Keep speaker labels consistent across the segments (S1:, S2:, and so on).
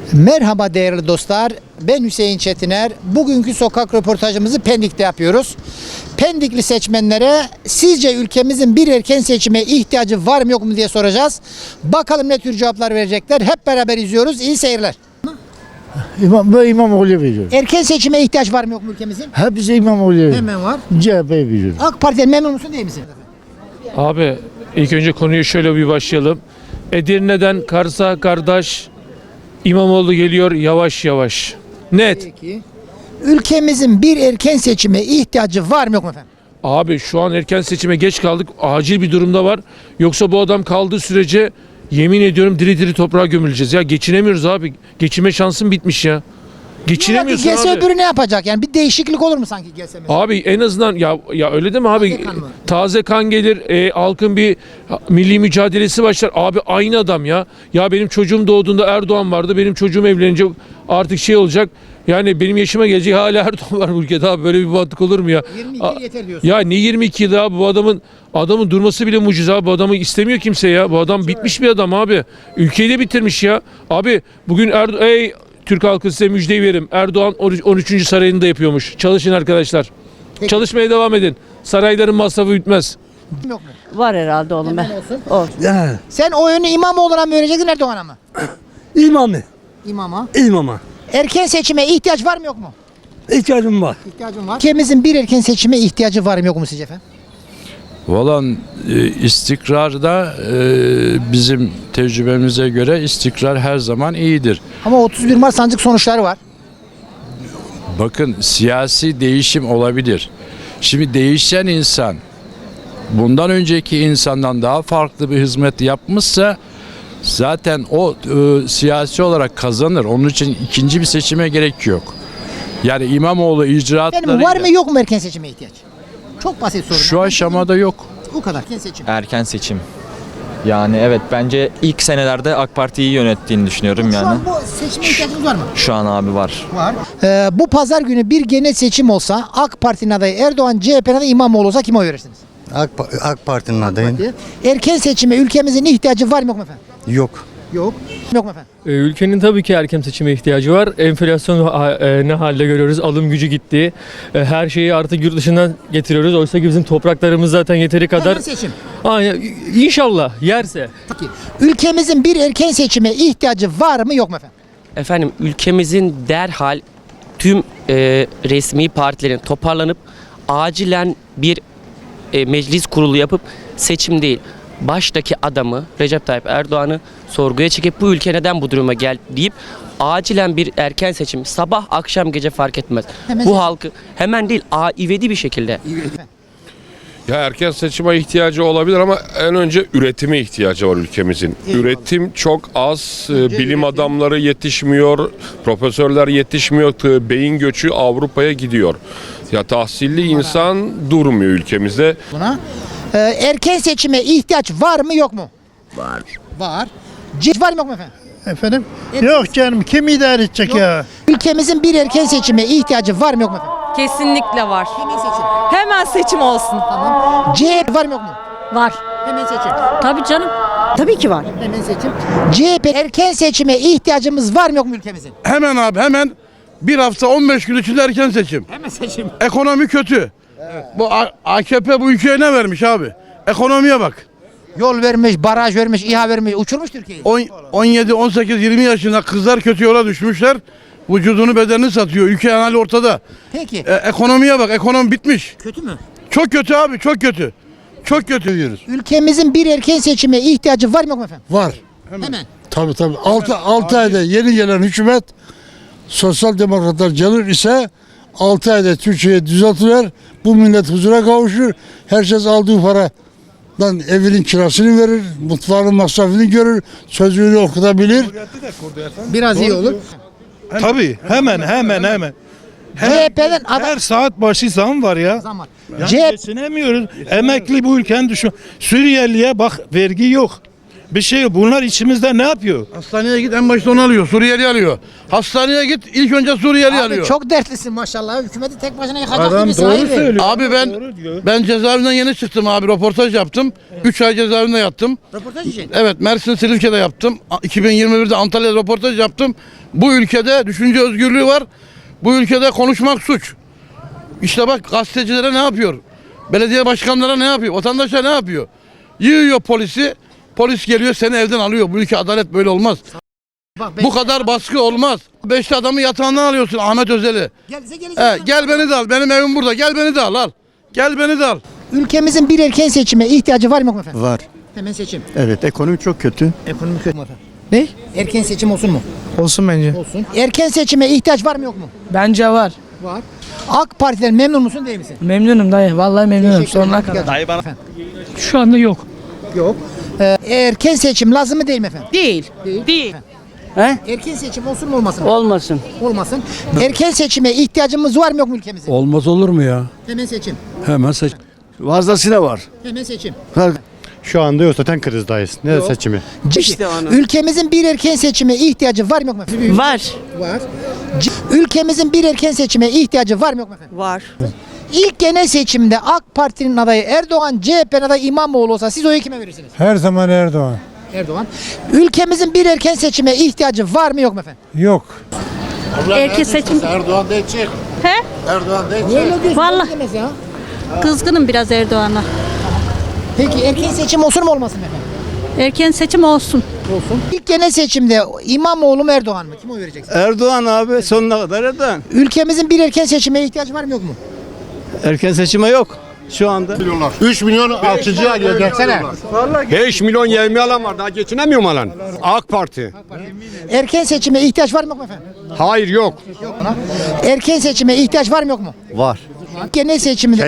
S1: Merhaba değerli dostlar, ben Hüseyin Çetiner. Bugünkü sokak röportajımızı Pendik'te yapıyoruz. Pendikli seçmenlere sizce ülkemizin bir erken seçime ihtiyacı var mı yok mu diye soracağız. Bakalım ne tür cevaplar verecekler. Hep beraber izliyoruz. İyi seyirler.
S2: İmamoğlu'ya veriyorum.
S1: Erken seçime ihtiyaç var mı yok mu ülkemizin?
S2: Hepsi İmamoğlu'ya veriyorum.
S1: Hemen var.
S2: CHP'ye veriyorum.
S1: AK Parti'den memnun musun değil misin?
S3: Abi ilk önce konuyu şöyle bir başlayalım. Edirne'den Kars'a kardeş İmamoğlu geliyor yavaş yavaş. Net.
S1: Peki. Ülkemizin bir erken seçime ihtiyacı var mı yok mu efendim?
S3: Abi şu an erken seçime geç kaldık. Acil bir durumda var. Yoksa bu adam kaldığı sürece yemin ediyorum diri diri toprağa gömüleceğiz. Ya geçinemiyoruz abi. Geçinme şansım bitmiş ya. Geçinemiyorsun
S1: Gelse
S3: abi.
S1: öbürü ne yapacak? Yani bir değişiklik olur mu sanki gelse mesela?
S3: Abi en azından ya öyle değil mi abi?
S1: Taze kan mı?
S3: Taze kan gelir, halkın bir milli mücadelesi başlar. Abi aynı adam ya. Ya benim çocuğum doğduğunda Erdoğan vardı. Benim çocuğum evlenince artık şey olacak. Yani benim yaşıma gelecek hala Erdoğan var bu ülkede abi. Böyle bir mantık olur mu ya?
S1: 22 yıl yeter diyorsun.
S3: Ya ne 22 yıl abi bu adamın durması bile mucize abi. Bu adamı istemiyor kimse ya. Bu adam bitmiş bir adam abi. Ülkeyi de bitirmiş ya. Abi bugün ey Türk halkı size müjdeyi verim. Erdoğan 13. sarayını da yapıyormuş. Çalışın arkadaşlar.
S1: Peki.
S3: Çalışmaya devam edin. Sarayların masrafı bitmez.
S1: Yok mu?
S4: Var herhalde oğlum be. Olsun.
S1: Sen oyunu İmamoğlu'na mı vereceksin Erdoğan'a mı?
S5: İmamı,
S1: İmama.
S5: imama.
S1: Erken seçime ihtiyaç var mı yok mu?
S5: İhtiyacım var.
S1: İhtiyacım var. Ülkemizin bir erken seçime ihtiyacı var mı yok mu sizce efendim?
S6: Valla istikrarda bizim tecrübemize göre istikrar her zaman iyidir.
S1: Ama 31 Mart sandık sonuçları var.
S6: Bakın siyasi değişim olabilir. Şimdi değişen insan bundan önceki insandan daha farklı bir hizmet yapmışsa zaten o siyasi olarak kazanır. Onun için ikinci bir seçime gerek yok. Yani İmamoğlu
S1: Yani
S6: icraatlarıyla
S1: var mı yok mu erken seçime ihtiyaç? Çok basit soru.
S6: şu aşamada yok.
S1: Bu kadar. Erken seçim.
S7: Erken seçim. Yani evet bence ilk senelerde AK Parti'yi yönettiğini düşünüyorum
S1: Şu
S7: yani.
S1: an bu seçime ihtiyacımız var mı?
S7: Şu an abi var.
S1: Var. Bu pazar günü bir genel seçim olsa AK Parti'nin adayı Erdoğan, CHP'nin adayı İmamoğlu olsa kime oy verirsiniz?
S8: AK Parti'nin adayım.
S1: Erken seçime ülkemizin ihtiyacı var mı yok mu efendim?
S8: Yok.
S1: Yok. Yok mu efendim?
S9: Ülkenin tabii ki erken seçime ihtiyacı var. Enflasyon ne halde görüyoruz? Alım gücü gitti. Her şeyi artık yurt dışından getiriyoruz. Oysa ki bizim topraklarımız zaten yeteri kadar.
S1: Erken seçim.
S9: Aynen. İnşallah yerse.
S1: Peki. Ülkemizin bir erken seçime ihtiyacı var mı yok mu efendim?
S10: Efendim ülkemizin derhal tüm resmi partilerin toparlanıp acilen bir meclis kurulu yapıp seçim değil baştaki adamı Recep Tayyip Erdoğan'ı sorguya çekip bu ülke neden bu duruma geldi deyip acilen bir erken seçim sabah akşam gece fark etmez.
S1: Hemen
S10: Bu
S1: seçim.
S10: halkı hemen değil ivedi bir şekilde.
S11: Ya erken seçime ihtiyacı olabilir ama en önce üretime ihtiyacı var ülkemizin.
S1: Eyvallah.
S11: Üretim çok az, bilim adamları yetişmiyor, profesörler yetişmiyor, beyin göçü Avrupa'ya gidiyor. Ya tahsilli insan durmuyor ülkemizde.
S1: Buna. Erken seçime ihtiyaç var mı yok mu?
S2: Var.
S1: Var. Var mı yok mu efendim?
S2: Efendim? Yok canım, kim idare edecek ya?
S1: Ülkemizin bir erken seçime ihtiyacı var mı yok mu efendim?
S4: Kesinlikle var.
S1: Hemen seçim.
S4: Hemen seçim olsun.
S1: Tamam. CHP var mı yok mu?
S4: Var.
S1: Hemen seçim.
S4: Tabii canım. Tabii ki var.
S1: Hemen seçim. CHP erken seçime ihtiyacımız var mı yok mu ülkemizin?
S5: Hemen abi hemen bir hafta 15 gün içinde erken seçim.
S1: Hemen seçim.
S5: Ekonomi kötü. Bu AKP bu ülkeye ne vermiş abi? Ekonomiye bak.
S1: Yol vermiş, baraj vermiş, İHA vermiş, uçurmuş Türkiye'yi.
S5: 17, 18, 20 yaşında kızlar kötü yola düşmüşler. Vücudunu bedenini satıyor. Ülke hali ortada.
S1: Peki.
S5: Ekonomiye bak. Ekonomi bitmiş.
S1: Kötü mü?
S5: Çok kötü abi. Çok kötü. Çok kötü diyoruz.
S1: Ülkemizin bir erken seçime ihtiyacı var mı yok mu efendim?
S2: Var.
S1: Hemen.
S2: Tabii. 6 ayda yeni gelen hükümet sosyal demokratlar gelir ise 6 ayda Türkiye'yi düzeltilir. Bu millet huzura kavuşur. Herkes aldığı paradan evinin kirasını verir. Mutfağının masrafını görür. Çocuğunu okutabilir.
S1: Biraz iyi olur.
S12: Tabii hemen.
S1: CHP'den aday...
S12: Her saat başı zam var ya.
S1: Zaman.
S12: Yani
S1: CHP...
S12: geçinemiyoruz. Emekli bu ülkenin düşün. Suriyeliye bak vergi yok. Bir şey yok. Bunlar içimizde ne yapıyor?
S5: Hastaneye git en başta onu alıyor. Suriyeli alıyor. Hastaneye git ilk önce Suriyeli
S1: Abi
S5: alıyor.
S1: çok dertlisin maşallah. Hükümeti tek başına yıkacak
S12: Adam
S1: gibi
S12: doğru
S1: sahibi.
S12: söylüyor.
S5: Abi ben cezaevinden yeni çıktım abi. Röportaj yaptım. 3 ay cezaevinde yattım.
S1: Röportaj için.
S5: Evet, Mersin Silifke'de yaptım. 2021'de Antalya'da röportaj yaptım. Bu ülkede düşünce özgürlüğü var. Bu ülkede konuşmak suç. İşte bak gazetecilere ne yapıyor? Belediye başkanlara ne yapıyor? Vatandaşa ne yapıyor? Yığıyor polisi. Polis geliyor seni evden alıyor. Bu ülke adalet böyle olmaz.
S1: Bak,
S5: Bu kadar baskı olmaz. 5 adamı yatağından alıyorsun Ahmet Özel'i. Gel beni de al. Benim evim burada. Gel beni de al. Gel beni de al.
S1: Ülkemizin bir erken seçime ihtiyacı var mı yok mu efendim?
S8: Var.
S1: Hemen seçim.
S8: Evet, ekonomi çok kötü.
S1: Ekonomi kötü mü efendim?
S12: Ne?
S1: Erken seçim olsun mu?
S12: Olsun bence.
S1: Olsun. Erken seçime ihtiyaç var mı yok mu?
S12: Bence var.
S1: Var. AK Parti'den memnun musun değil misin?
S12: Memnunum dayı. Vallahi memnunum.
S1: Teşekkür ederim.
S12: Dayı bana.
S9: Şu anda yok.
S1: Yok. Erken seçim lazım mı değil mi efendim?
S4: Değil. Değil.
S1: Erken seçim olsun mu olmasın mı?
S4: Olmasın.
S1: Olmasın. Erken seçime ihtiyacımız var mı yok mu ülkemizde?
S2: Olmaz olur mu ya?
S1: Hemen seçim.
S2: Hemen seç. Fazlasıyla var.
S1: Hemen seçim.
S8: Şu anda yok, zaten krizdayız. Ne
S1: Yok.
S8: seçimi?
S1: Ülkemizin bir erken seçime ihtiyacı var mı yok mu efendim?
S4: Var.
S1: Var. Ülkemizin bir erken seçime ihtiyacı var mı yok mu efendim?
S4: Var.
S1: İlk genel seçimde AK Parti'nin adayı Erdoğan, CHP'nin adayı İmamoğlu olsa siz oyu kime verirsiniz?
S2: Her zaman Erdoğan.
S1: Erdoğan. Ülkemizin bir erken seçime ihtiyacı var mı yok mu efendim?
S2: Yok.
S4: Erken seçim.
S5: Erdoğan değil çık.
S4: He?
S5: Erdoğan değil
S1: Öyle diyorsun.
S4: Vallahi.
S1: Demez ya.
S4: Kızgınım biraz Erdoğan'a.
S1: Peki erken seçim olsun mu olmasın mı efendim?
S4: Erken seçim olsun.
S1: Olsun. İlk genel seçimde İmamoğlu mu Erdoğan mı? Kim oy vereceksin?
S8: Erdoğan abi, sonuna kadar Erdoğan.
S1: Ülkemizin bir erken seçime ihtiyacı var mı yok mu?
S8: Erken seçime yok şu anda.
S5: 3 milyon alçıcı alıyor desene.
S12: 5 milyon yevmi alan var. Daha geçinemiyorum alan. AK Parti.
S1: Erken seçime ihtiyaç var mı yok mu efendim?
S12: Hayır yok.
S1: Erken seçime ihtiyaç var mı yok mu?
S8: Var.
S1: Genel seçimde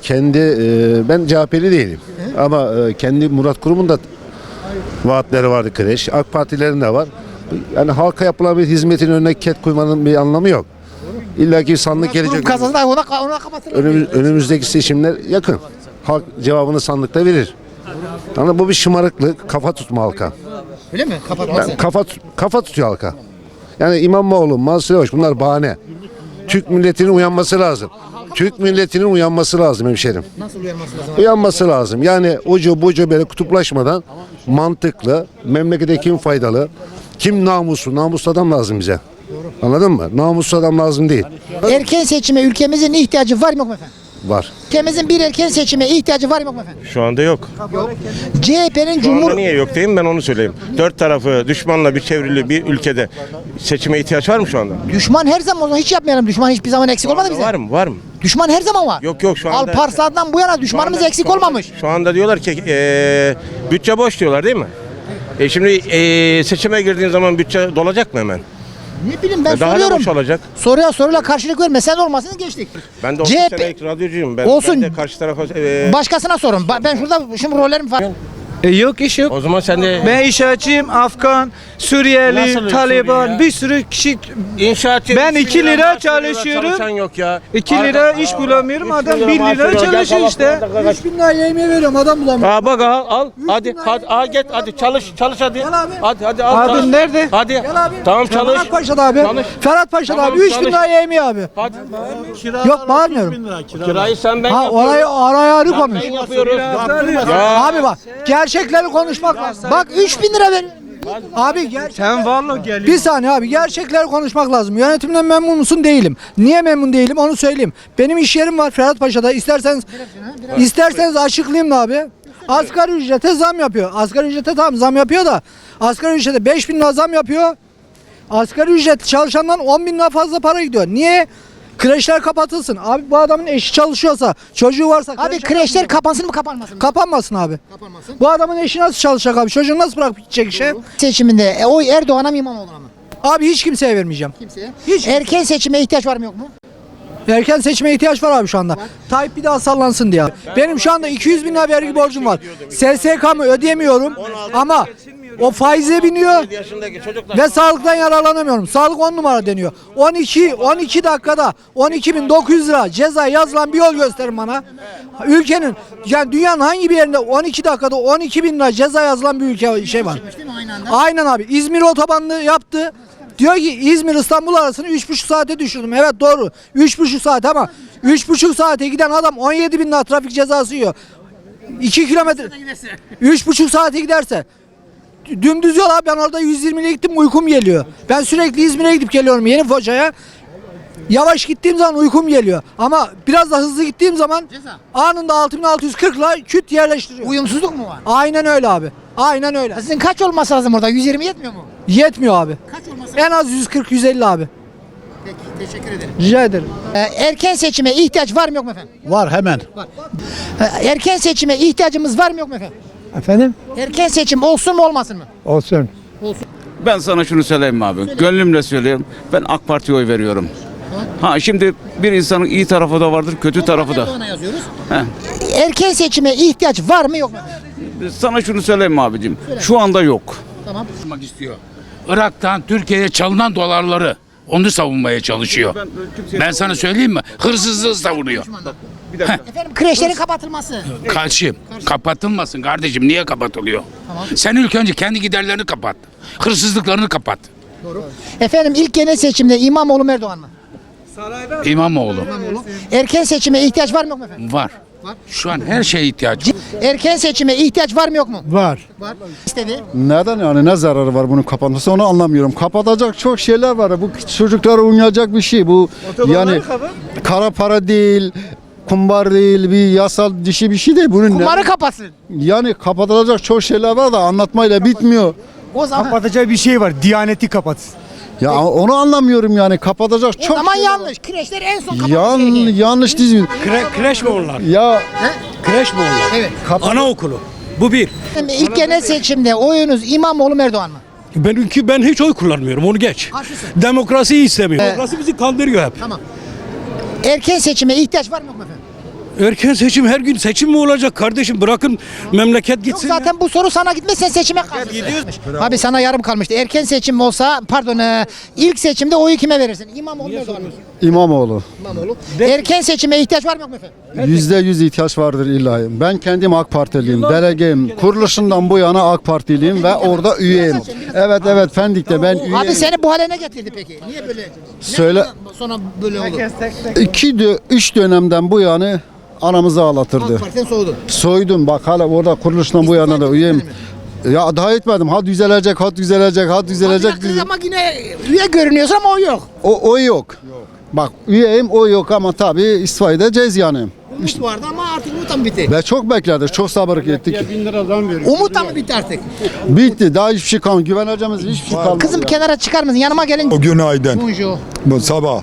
S2: Ben CHP'li değilim. Ama kendi Murat Kurum'un da vaatleri vardı kreş. AK Partilerin de var. Yani halka yapılan bir hizmetin önüne ket koymanın bir anlamı yok. İlla ki sandık gelecek.
S1: kazanır ona kapatırlar.
S2: Önümüzdeki seçimler yakın. Halk cevabını sandıkta verir. Yani bu bir şımarıklık, kafa tutma halka.
S1: Öyle mi? Kapatmaz.
S2: Yani kafa tutuyor halka. Yani İmamoğlu, Mansur Yavaş bunlar bahane. Türk milletinin uyanması lazım. Türk milletinin uyanması lazım hemşerim.
S1: Nasıl uyanması lazım?
S2: Uyanması lazım. Yani ucu bucu böyle kutuplaşmadan mantıklı, memlekete kim faydalı, kim namuslu, namuslu adam lazım bize. Anladın mı? Namuslu adam lazım değil.
S1: Erken seçime ülkemizin ihtiyacı var mı yok mu efendim?
S2: Var.
S1: Ülkemizin bir erken seçime ihtiyacı var mı yok mu efendim?
S12: Şu anda yok.
S1: CHP'nin Cumhur...
S12: Niye yok diyeyim ben onu söyleyeyim. Dört tarafı düşmanla bir çevrili bir ülkede seçime ihtiyaç var mı şu anda?
S1: Düşman her zaman o zaman hiç yapmayalım. Düşman hiçbir zaman eksik olmadı bize.
S12: Var mı? Var mı?
S1: Düşman her zaman var.
S12: Yok şu anda.
S1: Alparslan'dan bu yana düşmanımız eksik olmamış.
S12: Şu anda diyorlar ki bütçe boş diyorlar değil mi? Şimdi seçime girdiğin zaman bütçe dolacak mı hemen?
S1: Ne bileyim ben
S12: Daha ne
S1: soruyorum.
S12: boş olacak?
S1: Soruyla karşılık verme. Sen olmasın geçtik.
S12: Ben de 30
S1: CHP
S12: senelik radyocuyum. Ben
S1: Olsun.
S12: de karşı tarafa...
S1: Başkasına sorun. Ben şurada şimdi rollerim var.
S8: Yok iş yok.
S12: O zaman sen de...
S8: Ben inşaatçıyım, Afgan, Suriyeli,
S12: Nasıl
S8: Taliban,
S12: Suriyeli?
S8: bir sürü kişi.
S12: İnşaatçı
S8: Ben
S12: 3
S8: 2
S12: bin
S8: lira
S12: maaş veriyorlar,
S8: çalışıyorum.
S12: Çalışan yok ya.
S8: 2 lira iş bulamıyorum,
S12: 3
S8: adam
S12: bin
S8: 1
S12: maaş
S8: lira
S12: veriyor.
S8: çalışıyor
S12: Gel
S8: işte.
S1: 3000 lira yemeğe veriyorum adam bulamıyor.
S12: Aa bak al hadi git hadi çalış hadi. Hadi al.
S8: Abi
S12: çalış.
S8: nerede?
S12: Hadi. Tamam çalış.
S1: Ferhat Paşa'da abi.
S12: Çalış.
S1: Ferhat Paşa'da
S12: Tamam,
S1: abi 3000
S12: çalış.
S1: lira yemeği abi.
S12: Hadi.
S1: Yok bağırmıyorum.
S12: Kirayı sen ben
S1: Ha
S12: yapıyorum.
S1: oraya arı konuş.
S12: Ben yapıyoruz. Ya.
S1: Abi bak gerçekleri konuşmak lazım. Bak 3000 lira ver. Abi
S8: Sen vallahi gel.
S1: bir saniye abi gerçekleri konuşmak lazım. Yönetimden memnun musun? Değilim. Niye memnun değilim onu söyleyeyim. Benim iş yerim var Ferhat Paşa'da. İsterseniz açıklayayım da abi. Asgari ücrete zam yapıyor. Asgari ücrete tamam zam yapıyor da asgari ücrete 5000 lira zam yapıyor. Asgari ücret çalışandan 10 bin lira fazla para gidiyor. Niye? Kreşler kapatılsın. Abi bu adamın eşi çalışıyorsa, çocuğu varsa... Abi kreşler kapansın mı kapanmasın mı? Kapanmasın abi. Kapanmasın. Bu adamın eşi nasıl çalışacak abi? Çocuğunu nasıl bırakıp gidecek işe? Seçiminde oy Erdoğan'a mı İmamoğlu'na mı? Abi hiç kimseye vermeyeceğim. Kimseye? Hiç. Erken seçime ihtiyaç var mı yok mu? Erken seçime ihtiyaç var abi şu anda. Tayyip bir daha sallansın diye. Benim şu anda 200 bin lira vergi borcum var. SSK'mı ödeyemiyorum ama
S8: O faize biniyor
S12: 7 yaşındaki çocuklar.
S8: ve sağlıktan yararlanamıyorum. Sağlık 10 numara deniyor. 12 dakikada 12.900 lira ceza yazılan bir yol gösterin bana. Ülkenin yani dünyanın hangi bir yerinde 12 dakikada 12.000 lira ceza yazılan bir ülke şey var. Aynen abi. İzmir otobanını yaptı. Diyor ki İzmir İstanbul arasını 3,5 saate düşürdüm. Evet doğru. 3,5 saat ama 3,5 saate giden adam 17.000 lira trafik cezası yiyor. 2 kilometre 3,5 saate giderse dümdüz yol abi, ben orada 120 ile gittim uykum geliyor. Ben sürekli İzmir'e gidip geliyorum Yeni Foça'ya. Yavaş gittiğim zaman uykum geliyor. Ama biraz da hızlı gittiğim zaman anında 6640 ile küt yerleştiriyor.
S1: Uyumsuzluk mu var?
S8: Aynen öyle abi. Aynen öyle.
S1: Sizin kaç olması lazım orada? 120 yetmiyor mu?
S8: Yetmiyor abi.
S1: Kaç olması
S8: En az 140-150 abi.
S1: Peki teşekkür ederim.
S8: Rica ederim.
S1: Erken seçime ihtiyaç var mı yok mu efendim?
S2: Var hemen.
S1: Erken seçime ihtiyacımız var mı yok mu efendim?
S8: Efendim?
S1: Erken seçim olsun mu olmasın mı?
S8: Olsun.
S13: Ben sana şunu söyleyeyim abi. Gönlümle söylüyorum. Ben AK Parti'ye oy veriyorum. Ha şimdi bir insanın iyi tarafı da vardır, kötü tarafı da.
S1: Erdoğan'a yazıyoruz.
S13: He.
S1: Erken seçime ihtiyaç var mı yok mu?
S13: Sana şunu söyleyeyim abicim. Şu anda yok.
S1: Tamam.
S14: istiyor. Irak'tan Türkiye'ye çalınan dolarları onu savunmaya çalışıyor. Ben sana söyleyeyim mi? Hırsızlığı savunuyor.
S1: Efendim kreşlerin kapatılması.
S14: Karşıyım. Kapatılmasın kardeşim. Niye kapatılıyor? Sen ilk önce kendi giderlerini kapat. Hırsızlıklarını kapat.
S1: Efendim ilk genel seçimde İmamoğlu mu Erdoğan mı?
S14: İmamoğlu.
S1: Erken seçime ihtiyaç var mı yok mu efendim?
S14: Var. Şu an her şeye ihtiyaç var.
S1: Erken seçime ihtiyaç var mı yok mu?
S2: Var.
S1: Var. İstedi.
S2: Neden yani ne zararı var bunun kapatması onu anlamıyorum. Kapatacak çok şeyler var. Bu çocuklara oynayacak bir şey. Bu yani kara para değil, kumbar değil, bir yasal dışı bir şey değil. Bunun
S1: Kumarı kapatsın.
S2: yani kapatılacak çok şeyler var da anlatmayla bitmiyor.
S1: O zaman
S8: Kapatacağı bir şey var. Diyaneti kapatsın.
S2: Ya onu anlamıyorum yani kapatacak
S1: o
S2: çok
S1: zaman
S2: şeyler var.
S1: yanlış. Kreşler en son kapatması gerekiyor.
S2: Yanlış değil.
S8: Kreş mi onlar?
S2: Ya
S8: Kreş mi onlar?
S1: Evet.
S8: Anaokulu. Bu bir.
S1: İlk genel seçimde oyunuz İmamoğlu mu Erdoğan mı?
S8: Ben hiç oy kullanmıyorum, onu geç.
S1: Karşısın.
S8: Demokrasiyi istemiyorum.
S1: Evet.
S8: Demokrasi bizi kandırıyor hep.
S1: Tamam. Erken seçime ihtiyaç var mı yok mu efendim?
S8: Erken seçim, her gün seçim mi olacak kardeşim? Bırakın memleket
S1: Yok
S8: gitsin.
S1: zaten bu soru sana gitmez, sen seçime kalmışsın. Abi sana yarım kalmıştı. Erken seçim olsa ilk seçimde oyu kime verirsin? İmamoğlu mu Erdoğan mı?
S2: İmamoğlu.
S1: İmamoğlu. Erken seçime ihtiyaç var mı yok mu efendim?
S2: %100 ihtiyaç vardır illa. Ben kendim AK Partiliyim, delegeyim. Kuruluşundan bu yana AK Partiliyim ve orada üyeyim. Evet Pendik'te ben üyeyim.
S1: Abi seni bu hale ne getirdi peki? Niye böyle?
S2: Söyle.
S1: Sonra böyle oldu.
S2: 3 dönemden bu yana anamızı ağlatırdı.
S1: AK Parti'den soğudun.
S2: Soydum bak hala orada kuruluştan bu yana da üyeyim. Ya daha etmedim. Hat düzelecek.
S1: Ama yine üye görünüyorsun ama o yok.
S2: O yok. Bak üyeyim o yok ama tabii istifa edeceğiz yani.
S1: Umut vardı ama artık umut mı bitti?
S2: Ve çok bekledik. Çok sabır ettik.
S1: Umut mı bitti artık?
S2: Bitti. Daha hiçbir şey kalmadı. Güveneceğimiz hiçbir şey kalmadı.
S1: Kızım kenara çıkar mısın? Yanıma gelin.
S2: Günaydın.
S1: Bonjour.
S2: Bu sabah.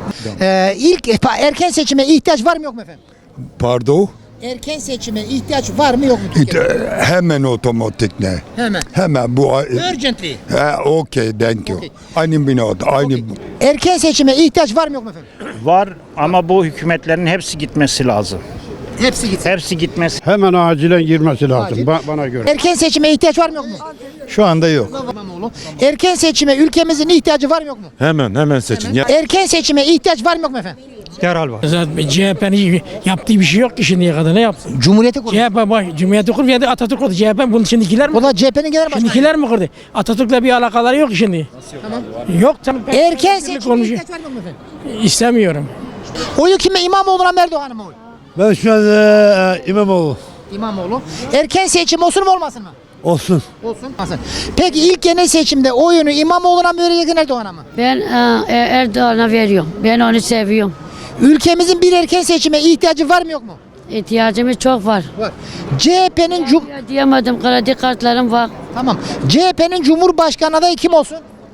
S1: Erken seçime ihtiyaç var mı yok mu efendim?
S2: Pardon.
S1: Erken seçime ihtiyaç var mı yok mu Türkiye'de?
S2: Hemen otomatik ne?
S1: Hemen.
S2: Hemen bu.
S1: Urgently.
S2: Okey, thank you.
S1: Okay.
S2: Aynı binada.
S1: Erken seçime ihtiyaç var mı yok mu efendim?
S15: Var ama bu hükümetlerin hepsi gitmesi lazım.
S1: Hepsi gitsin.
S15: Hepsi gitmesi.
S2: Hemen acilen girmesi lazım
S1: Acil.
S2: bana göre.
S1: Erken seçime ihtiyaç var mı yok mu?
S2: Şu anda yok.
S1: İmamoğlu. Erken seçime ülkemizin ihtiyacı var mı yok mu?
S2: Hemen seçin.
S1: Erken seçime ihtiyaç var mı yok mu efendim?
S8: Derhal var.
S9: Zaten CHP'nin yaptığı bir şey yok ki şimdiye kadar ne yapsın?
S1: Cumhuriyeti kurdu.
S9: Cumhuriyeti kurdu ya da Atatürk kurdu. CHP bunu şimdikiler mi?
S1: O da CHP'nin genel başkanı.
S9: Mi kurdu? Atatürk'le bir alakaları yok şimdi.
S1: Tamam.
S9: Yok canım.
S1: Erken seçime ihtiyaç var mı yok mu efendim?
S9: İstemiyorum.
S1: Oyu kime? İmamoğlu'na mı Erdoğan'a mı oy?
S2: Ben şu an İmamoğlu.
S1: İmamoğlu. Erken seçim olsun mu olmasın mı?
S2: Olsun.
S1: Olsun. Peki ilk genel seçimde oyunu İmamoğlu'na mı vereceksin Erdoğan'a mı?
S4: Ben Erdoğan'a veriyorum. Ben onu seviyorum.
S1: Ülkemizin bir erken seçime ihtiyacı var mı yok mu?
S4: İhtiyacımız çok var.
S1: Var. CHP'nin
S4: Diyemedim, kredi kartlarım var.
S1: Tamam. CHP'nin Cumhurbaşkanı adayı kim olsun?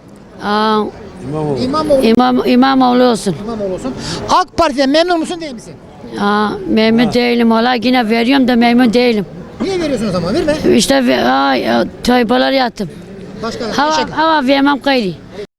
S4: İmamoğlu olsun.
S1: İmamoğlu olsun. AK Parti'den memnun musun değil misin?
S4: Memnun değilim. Valla yine veriyorum da memnun değilim.
S1: Niye veriyorsun o zaman? Verme.
S4: İşte taybalar yattım.
S1: Başka.
S4: Hava vermem gayri.